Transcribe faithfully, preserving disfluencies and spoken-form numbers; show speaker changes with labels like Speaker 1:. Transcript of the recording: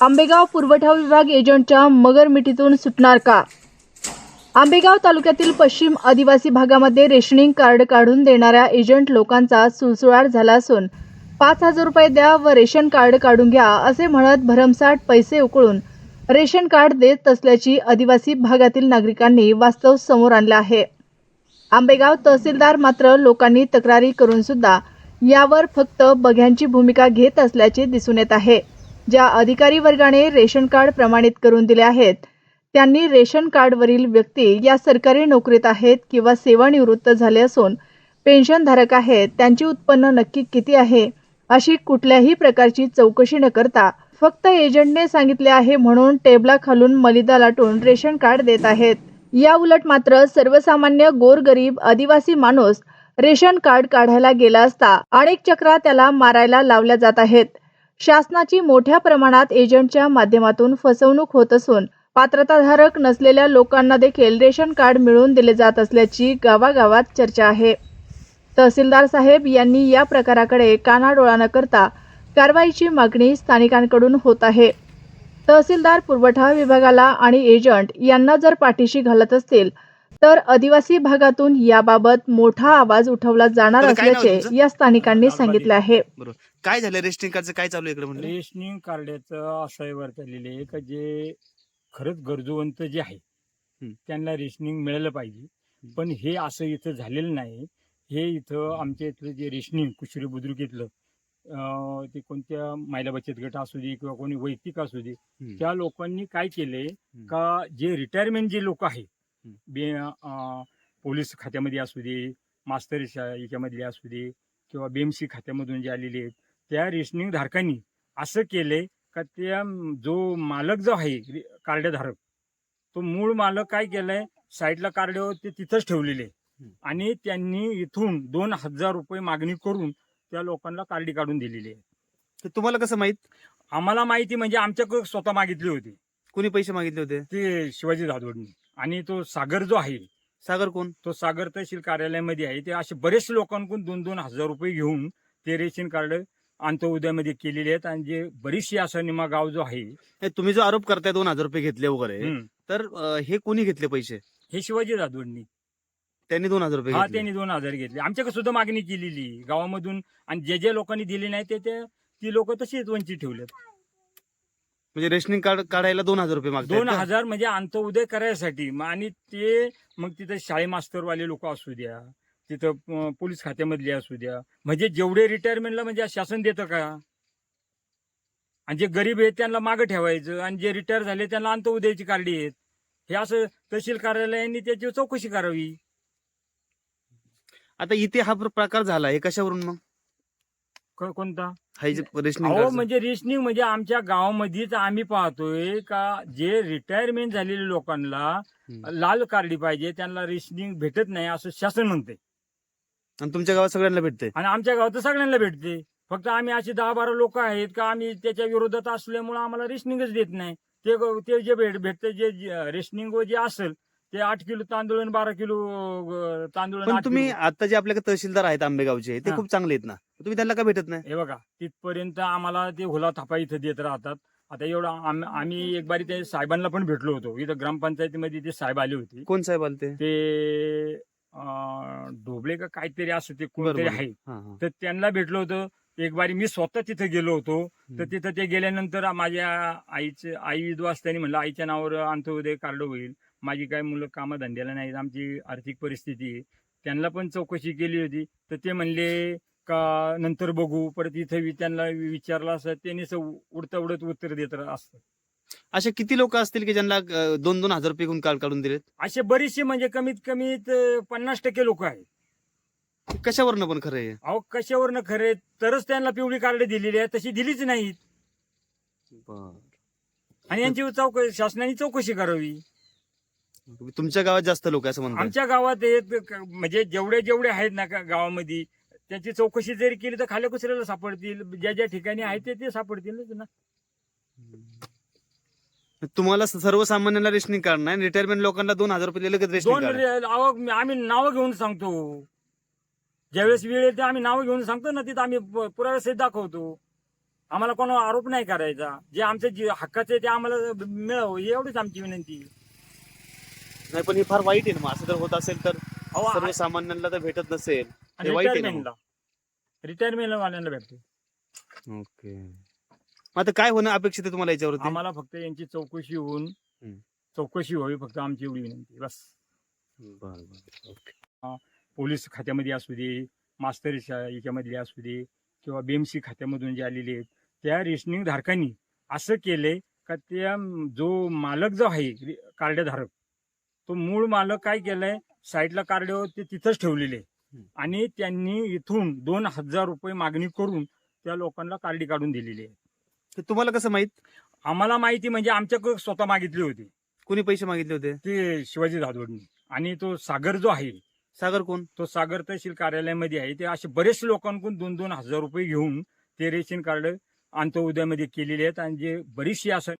Speaker 1: आंबेगाव पुरवठा विभाग एजंटच्या मगरमिठीतून सुटणार का? आंबेगाव तालुक्यातील पश्चिम आदिवासी भागामध्ये रेशनिंग कार्ड काढून देणाऱ्या एजंट लोकांचा सुळसुळाट झाला असून पाच हजार रुपये द्या व रेशन कार्ड काढून घ्या असे म्हणत भरमसाठ पैसे उकळून रेशन कार्ड देत असल्याची आदिवासी भागातील नागरिकांनी वास्तव समोर आणले आहे. आंबेगाव तहसीलदार मात्र लोकांनी तक्रारी करून सुद्धा यावर फक्त बघ्यांची भूमिका घेत असल्याचे दिसून येत आहे. ज्या अधिकारी वर्गाने रेशन कार्ड प्रमाणित करून दिले आहेत त्यांनी रेशन कार्डवरील व्यक्ती या सरकारी नोकरीत आहेत किंवा सेवानिवृत्त झाले असून पेन्शनधारक आहेत, त्यांची उत्पन्न नक्की किती आहे अशी कुठल्याही प्रकारची चौकशी न करता फक्त एजंटने सांगितले आहे म्हणून टेबलाखालून मलिदा लाटून रेशन कार्ड देत आहेत. या उलट मात्र सर्वसामान्य गोरगरीब आदिवासी माणूस रेशन कार्ड काढायला गेला असता अनेक चक्रा त्याला मारायला लावल्या जात आहेत. शासनाची मोठ्या प्रमाणात एजंटच्या माध्यमातून फसवणूक होत असून पात्रताधारक नसलेल्या लोकांना देखील रेशन कार्ड मिळवून दिले जात असल्याची गावागावात चर्चा आहे. तहसीलदार साहेब यांनी या प्रकाराकडे कानाडोळा न करता कारवाईची मागणी स्थानिकांकडून होत आहे. तहसीलदार पुरवठा विभागाला आणि एजंट यांना जर पाठीशी घालत असतील तर आदिवासी भागातून याबाबत मोठा आवाज उठवला जाणार असल्याचे या स्थानिकांनी सांगितले आहे.
Speaker 2: काय झालं रेशनिंग कार्डचं काय चालू इकडे म्हणजे?
Speaker 3: रेशनिंग कार्डाचं असं वर चाललेलं आहे का जे खरंच गरजूवंत जे आहे त्यांना रेशनिंग मिळालं पाहिजे, पण हे असं इथं झालेलं नाही. हे इथं आमच्या इथलं जे रेशनिंग कुशरी बुद्रुक इथलं ते कोणत्या महिला बचत गट असू दे किंवा कोणी वैयक्तिक असू दे, त्या लोकांनी काय केलंय का जे रिटायरमेंट जे लोक आहे बे पोलीस खात्यामध्ये असू दे, मास्तर याच्यामधले असू दे किंवा बीएमसी खात्यामधून जे आलेले आहेत त्या रेशनिंग धारकांनी असं केलंय का त्या जो मालक जो आहे कार्डधारक तो मूळ मालक काय केलंय साईडला कार्ड ते तिथंच ठेवलेले आणि त्यांनी इथून दोन हजार रुपये मागणी करून त्या लोकांना कार्डी काढून दिलेली आहे.
Speaker 2: तुम्हाला कसं माहित?
Speaker 3: आम्हाला माहिती म्हणजे आमच्याकडे स्वतः मागितले होते.
Speaker 2: कोणी पैसे मागितले होते?
Speaker 3: ते शिवाजी जाधवनी. आणि तो सागर जो आहे,
Speaker 2: सागर कोण?
Speaker 3: तो सागर तहसील कार्यालयामध्ये आहे. ते असे बरेचसे लोकांकडून दोन दोन हजार रुपये घेऊन ते रेशन कार्ड अंत्योदयामध्ये केलेले आहेत. आणि जे बरीचशी असा निमा गाव जो आहे,
Speaker 2: तुम्ही जो आरोप करताय दोन हजार रुपये घेतले वगैरे, तर हे कोणी घेतले पैसे?
Speaker 3: हे शिवाजी जाधवनी.
Speaker 2: त्यांनी दोन हजार रुपये
Speaker 3: हा त्यांनी दोन हजार घेतले. आमच्याकडे सुद्धा मागणी केलेली गावामधून आणि जे जे लोकांनी दिले नाही ते ती लोक तशीच वंचित ठेवलेत.
Speaker 2: म्हणजे रेशनिंग कार्ड काढायला दोन हजार रुपये मागतात?
Speaker 3: दोन हजार म्हणजे अंत्योदय करायसाठी. आणि ते मग तिथे शाळे मास्तरवाले लोक असू द्या, तिथं पोलीस खात्यामधले असू द्या, म्हणजे जेवढे रिटायरमेंटला म्हणजे शासन देतं का? आणि जे गरीब आहेत त्यांना मागं ठेवायचं आणि जे रिटायर झाले त्यांना अंत्योदयाची कार्डी आहेत. हे असं तहसील कार्यालयाने त्याची चौकशी करावी.
Speaker 2: आता इथे हा प्रकार झाला हे कशावरून मग?
Speaker 3: कोणता?
Speaker 2: रेशनिंग
Speaker 3: हो म्हणजे रेशनिंग म्हणजे आमच्या गावामध्येच आम्ही पाहतोय का जे रिटायरमेंट झालेल्या लोकांना लाल कार्डी पाहिजे त्यांना रेशनिंग भेटत नाही असं शासन म्हणते.
Speaker 2: आणि तुमच्या गावात सगळ्यांना भेटते?
Speaker 3: आणि आमच्या गावात सगळ्यांना भेटते. फक्त आम्ही असे दहा बारा लोक आहेत का आम्ही त्याच्या विरोधात असल्यामुळे आम्हाला रेशनिंगच देत नाही. ते ते जे भेट भेटते जे रेशनिंग जे असेल ते आठ किलो तांदूळ आणि बारा किलो तांदूळ.
Speaker 2: पण तुम्ही आता जे आपल्याकडे तहसीलदार आहेत आंबेगावचे ते खूप चांगले आहेत ना, तुम्ही त्यांना का भेटत नाही?
Speaker 3: हे बघा तिथपर्यंत आम्हाला ते हुला थापा इथं देत राहतात. आता एवढं आम्ही एक बारी ते साहेबांना पण भेटलो होतो इथं ग्रामपंचायतीमध्ये. ते साहेब आले होते.
Speaker 2: कोण साहेब आले?
Speaker 3: ते ढोबळे का काहीतरी असं ते कोणतरी आहे, तर त्यांना भेटलो होतो एक बारी. मी स्वतः तिथे गेलो होतो. तर तिथं ते गेल्यानंतर माझ्या आईचं आई विधवा असताना म्हणलं आईच्या नावावर अंत्योदय कार्ड होईल. माझी काय मुलं कामं धंद्याला नाहीत, आमची आर्थिक परिस्थिती आहे. त्यांना पण चौकशी केली होती तर ते म्हणले का नंतर बघू. परत इथं त्यांना विचारलं असं त्यांनी उडत उडत उत्तर देत असतं.
Speaker 2: असे किती लोक असतील की ज्यांना दोन दोन हजार रुपये कार्ड काढून दिलेत?
Speaker 3: असे बरेचसे म्हणजे कमीत कमी पन्नास टक्के लोक आहेत.
Speaker 2: कशावरनं पण खरं आहे?
Speaker 3: अहो कशावरनं खरे तरच त्यांना पिवळी कार्ड दिलेली आहे, तशी दिलीच नाहीत. आणि यांची चौकशी शासनाने चौकशी करावी.
Speaker 2: तुमच्या गावात जास्त लोक असं म्हणतात?
Speaker 3: आमच्या गावात म्हणजे जेवढे जेवढे आहेत ना गावामध्ये त्याची चौकशी जरी केली तर खाल्या कुसऱ्याला सापडतील. ज्या ज्या ठिकाणी आहेत ते ते सापडतीलच ना.
Speaker 2: तुम्हाला सर्वसामान्यांना रेशनिंग कार्ड नाही, रिटायरमेंट लोकांना दोन हजार रुपये लगेच रेशनिंग
Speaker 3: दोन आम्ही नावं घेऊन सांगतो. ज्यावेळेस वेळ येते आम्ही नावं घेऊन सांगतो ना, तिथं आम्ही पुराव्यासहित दाखवतो. आम्हाला कोणा आरोप नाही करायचा. जे आमचे जे हक्काचे ते आम्हाला मिळावं एवढीच आमची विनंती आहे.
Speaker 2: नाही पण हे फार वाईट आहे ना, मग असं जर होत असेल तर
Speaker 3: अहो, आ-
Speaker 2: सर्वसामान्यांना तर भेटत नसेल, हे वाईट आहे ना मग.
Speaker 3: रिटायरमेंटला रिटायरमेंट वाल्यांना भेटते.
Speaker 2: ओके, मग आता काय होणं अपेक्षित आहे तुम्हाला याच्यावरती?
Speaker 3: आम्हाला फक्त यांची चौकशी होऊन
Speaker 2: हम्म.
Speaker 3: चौकशी व्हावी, फक्त आमची एवढी विनंती बस.
Speaker 2: बरं बरं, ओके.
Speaker 3: पोलीस खात्यामध्ये असू दे, मास्तर शा- याच्यामधले असू दे, किंवा बीएमसी खात्यामधून जे आलेले आहेत त्या रेशनिंग धारकांनी असं केलंय का त्या जो मालक जो आहे रि- कार्डधारक, तो मूळ मालक काय केलंय, साईडला कार्ड ते तिथंच ठेवलेले
Speaker 2: हम्म.
Speaker 3: आणि त्यांनी इथून दोन हजार रुपये मागणी करून त्या लोकांना कार्डी काढून दिलेली आहे.
Speaker 2: ते तुम्हाला कसं माहित?
Speaker 3: आम्हाला माहिती म्हणजे आमच्याकडे स्वतः मागितली होती
Speaker 2: कोणी पैसे मागितले होते?
Speaker 3: ते शिवाजी जाधवनी. आणि तो सागर जो आहे,
Speaker 2: सागर कोण?
Speaker 3: तो सागर तहसील कार्यालयामध्ये आहे. ते असे बरेच लोकांकडून दोन दोन हजार रुपये घेऊन ते रेशन कार्ड अंत्योदयामध्ये केलेले आहेत आणि जे बरीचशी असं